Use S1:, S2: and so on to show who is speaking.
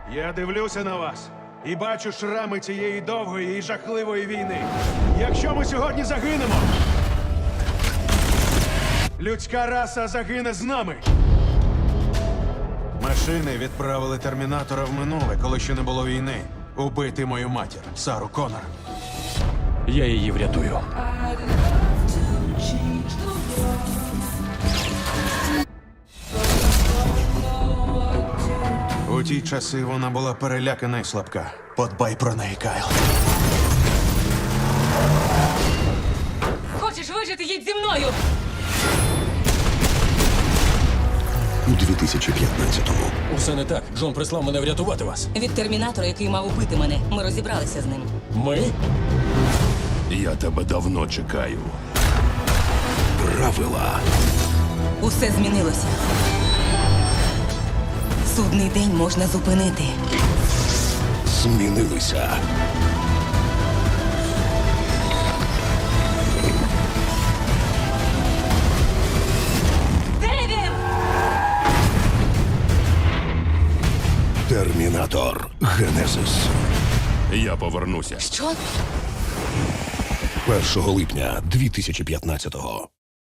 S1: Я дивлюся на вас і бачу шрами цієї довгої і жахливої війни. Якщо ми сьогодні загинемо, людська раса загине з нами. Машини відправили термінатора в минуле, коли ще не було війни. Убити мою матір, Сару Коннор.
S2: Я її врятую.
S1: У ті часи вона була перелякана і слабка. Подбай про неї, Кайл.
S3: Хочеш вижити, їдь зі мною!
S4: У 2015-му
S2: Усе не так. Джон прислав мене врятувати вас.
S3: Від термінатора, який мав убити мене, ми розібралися з ним.
S2: Ми?
S4: я тебе давно чекаю. Правила
S3: Усе змінилося. Судний день можна зупинити.
S4: змінилися.
S3: Де він?
S4: Термінатор Генезис.
S5: Я повернуся.
S3: Що?
S4: 1 липня 2015-го.